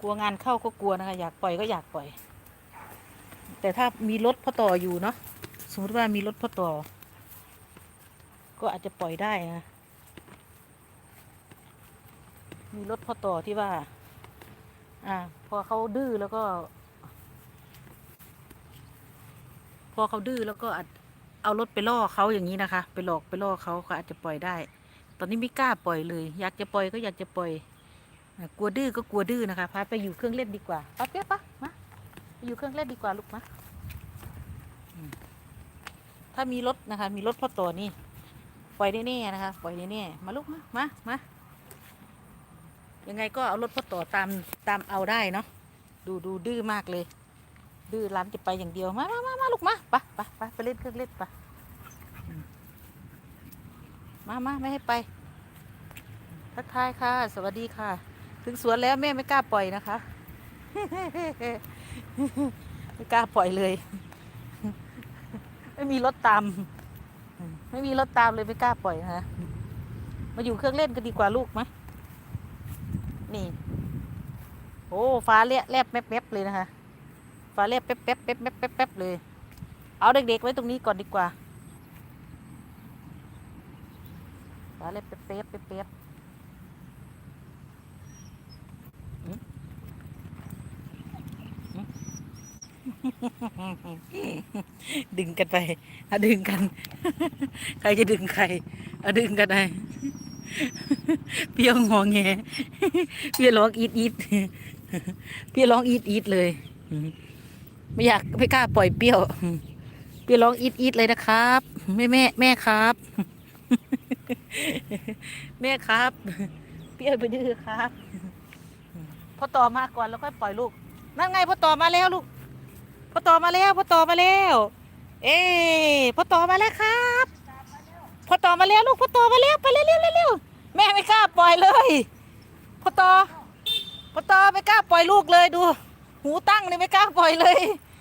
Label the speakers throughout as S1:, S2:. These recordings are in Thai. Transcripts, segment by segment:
S1: ลัวงานเข้าก็กลัวนะคะอยากปล่อยก็อยากปล่อยแต่ถ้ามีรถพ่อต่ออยู่เนาะสมมติว่ามีรถพ่อต่อก็อาจจะปล่อยได้นะมีรถพ่อต่อที่ว่าพอเขาดื้อแล้วก็อาจเอารถไปล่อเขาอย่างนี้นะคะไปหลอกไปล่อเขาอาจจะปล่อยได้ตอนนี้ไม่กล้าปล่อยเลยอยากจะปล่อยก็อยากจะปล่อยกลัวดื้อก็กลัวดื้อนะคะพาไปอยู่เครื่องเล่นดีกว่าป้าเปี๊ยกปะมาไปอยู่เครื่องเล่นดีกว่าลูกมะถ้ามีรถนะคะมีรถพ่อต่อนี่ปล่อยแน่ๆนะคะปล่อยแน่ๆมาลูกมายังไงก็เอารถพ่อต่อตามเอาได้เนาะดูดื้อมากเลยดื้อร้านจะไปอย่างเดียวมาลูกมาไปเล่นเครื่องเล่นปะมาไม่ให้ไปทักทายค่ะสวัสดีค่ะถึงสวนแล้วแม่ไม่กล้าปล่อยนะคะไม่กล้าปล่อยเลยไม่มีรถตามเลยไม่กล้าปล่อยนะคะมาอยู่เครื่องเล่นกันดีกว่าลูกมะนี่โอ้ฟ้าแลบแป๊บเลยนะคะฟ้าแลบแป๊บเลยเอาเด็กๆไว้ตรงนี้ก่อนดีกว่าฟ้าแลบแป๊บดึงกันไปดึงกันใครจะดึงใครดึงกันไปเปี้ยวงอแงเปี้ยวร้องอีดเปี้ยวร้องอีดเลยไม่กล้าปล่อยเปี้ยวร้องอีดเลยนะครับแม่ครับแม่ครับเปี้ยวไปดื้อครับพอต่อมาก่อนแล้วค่อยปล่อยลูกนั่นไงพอต่อมาแล้วลูกพอต่อมาแล้วเอ๊พอต่อมาแล้วครับพอต่อมาแล้วลูกพอต่อมาแล้วไปเร็วแม่ไม่กล้าปล่อยเลยพอต่อไม่กล้าปล่อยลูกเลยดูหูตั้งเลยไม่กล้าปล่อยเลย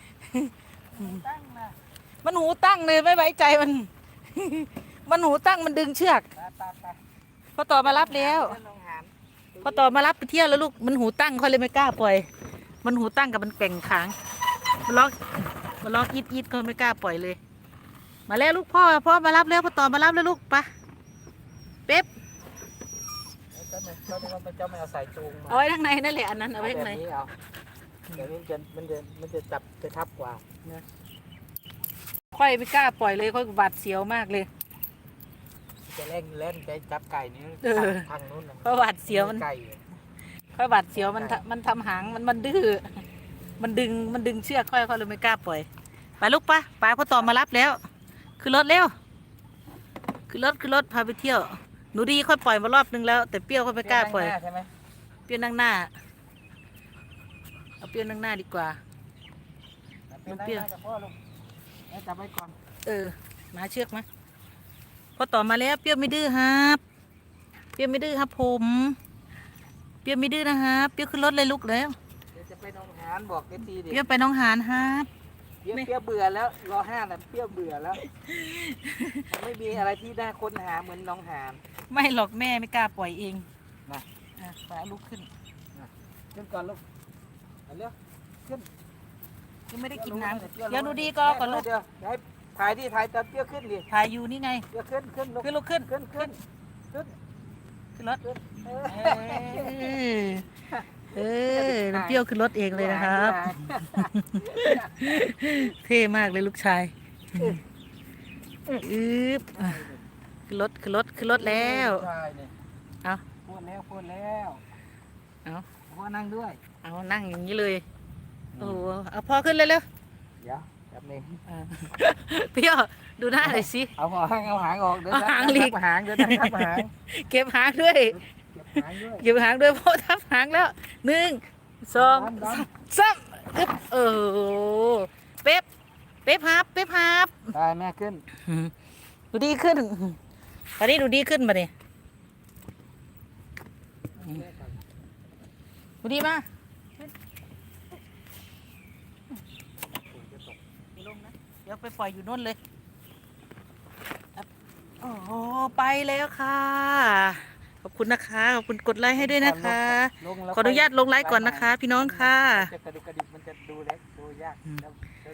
S1: มันหูตั้งเลยไม่ไว้ใจมันมันหูตั้งมันดึงเชือกพอต่อมารับแล้วพอต่อมารับไปเที่ยวแล้วลูกมันหูตั้งเขาเลยไม่กล้าปล่อยมันหูตั้งกับมันแก่งขางมันร้องอีดก็ไม่กล้าปล่อยเลยมาแล้วลูกพ่อมารับแล้วพอต่อมารับแล้วลูกปะเป๊ป
S2: เจ้าไม่เอาสายจูงมา
S1: เอาไว้ข้างในนั่นแหละอันนั้นเอาไว้ข้างใน
S2: เดี๋ยวนี้มันจะจับจะทับกว่านะ
S1: ค่อยไม่กล้าปล่อยเลยค่อยบาดเสียวมากเลย
S2: จะเล่นจะจับไก่นี้ทางนู้น
S1: ค่อยบาดเสียวมัน
S2: ไก่
S1: ค่อยบาดเสียวมันทำหางมันดื้อมันดึงเชือกค่อยเลยไม่กล้าปล่อยไปลูกปะพอต่อมารับแล้วขึ้นรถเร็วขึ้นรถพาไปเที่ยวหนูดีค่อยปล่อยมารอบนึงแล้วแต่เปรี้ยวค่อยไม่กล้าปล่อยเปรี้ยวนั่งหน้าเอาเปรี้ยวนั่งหน้าดีกว่า
S2: เปรี้ยวจับไว้ก่อน
S1: มาเชือกมาพอต่อมาแล้วเปรี้ยวไม่ดื้อครับเปรี้ยวไม่ดื้อครับผมเปรี้ยวไม่ดื้อนะครับเปรี้ยวขึ้นรถเลยลูกแล้ว
S2: จะไปน้องหานบอกเอฟซีดิ
S1: เปรี้ยวไปน้องหานครับ
S2: เปรี้ยวเบื่อแล้วรอ5แล้วเปรี้ยวเบื่อแล้วไม่มีอะไรที่น่าค้นหาเหมือนน้องหาน
S1: ไม่หรอกแม่ไม่กล้าปล่อยเอง
S2: นะ
S1: ไปลูกขึ้น
S2: ก่อนลูกเร็วขึ้น
S1: ยังไม่ได้กินน้ำเดี๋ยวหนูดีก่อนลูก
S2: เดี๋ยวให้ถ่ายตอนเปรี้ยวขึ้นดิ
S1: ถ่ายอยู่นี่ไง
S2: เปรี้ยวขึ้น
S1: ลูกขึ้นรถน้ำเปรี้ยวขึ้นรถเองเลยนะครับเท่มากเลยลูกชายขึ้นรถแล้วเอา
S2: พูดแล้ว
S1: เอา
S2: พ่อนั่งด้วย
S1: เอานั่งอย่างนี้เลยโอ้เอาพ่อขึ้นเลยเร็ว
S2: เดี๋ยวแป๊บนึง
S1: เปรี้ยวดูหน้าหน่อยสิ
S2: เอาหางออกเดี๋ยว
S1: หางลีก
S2: หางเดี๋ยวทับหาง
S1: เก็บหางด้วยพ่อทับหางแล้ว1 2 3เป๊ปฮับ
S2: ได้แม่ขึ้น
S1: ดูดีขึ้นตอนนี้ดูดีขึ้นมาเนี่ยดูดีมาเดี๋ยวไปปล่อยอยู่นู่นเลยโอ้โหไปแล้วค่ะขอบคุณนะคะขอบคุณกดไลค์ให้ด้วยนะคะ
S2: ลงแล้ว
S1: ขออนุญาตลงไลค์ก่อนนะคะ พี่น้องค่ะ
S2: จะกระดุกกระดิกมันจะดูเล็กดูยาก
S1: อืม
S2: แล้ว